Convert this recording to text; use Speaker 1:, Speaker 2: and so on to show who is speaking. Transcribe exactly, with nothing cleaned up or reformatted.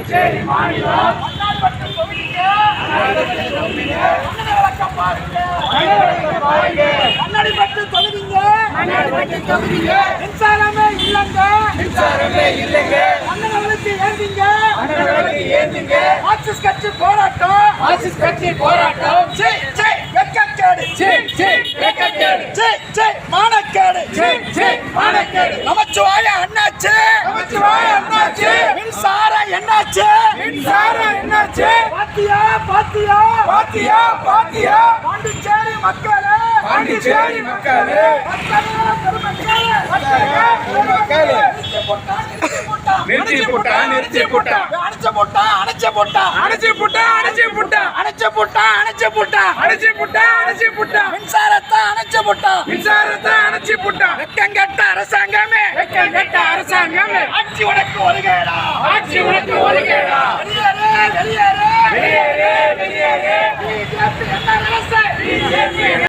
Speaker 1: புதுச்சேரி மாநிலம் கண்ணாடி பட்டு தொகுதிங்க மின்சாரமே இல்லைங்க மின்சாரமே இல்லைங்க அண்ணனுக்கு ஏந்திங்க அண்ணனுக்கு ஏந்திங்க ஆக்சிஸ் கட்சி போராட்டம் ஆக்சிஸ் கட்சி போராட்டம் ஜெய் ஜெய் வெக்கக்கேடு ஜெய் ஜெய் வெக்கக்கேடு ஜெய் ஜெய் மானக்கேடு ஜெய் ஜெய் மானக்கேடு நமச்சிவாய அண்ணாச்சி நமச்சிவாய அண்ணாச்சி மின்சார என்னாச்சு மின்சார என்னாச்சு பாத்தியா பாத்தியா பாத்தியா பாத்தியா பாண்டிச்சேரி மக்களே பாண்டிச்சேரி மக்களே நிறுத்தி போட்டா நிறுத்தி போட்டா அணைச்சு போட்டா அணைச்சு போட்டா அணைச்சு போட்டா அணைச்சு போட்டா அணைச்சு போட்டா அணைச்சு போட்டா அணைச்சு போட்டா அணைச்சு போட்டா மின்சாரத்தை அணைச்சு போட்டா மின்சாரத்தை அணைச்சு போட்டா வெக்கங்கெட்ட அரசாங்கமே வெக்கங்கெட்ட அரசாங்கமே ஆட்சி உனக்கு ஒழுகேடா ஆட்சி உனக்கு ஒழுகேடா வெளியேறு வெளியேறு வெளியேறு வெளியேறு பிஜேபி என்ன அரசு பிஜேபி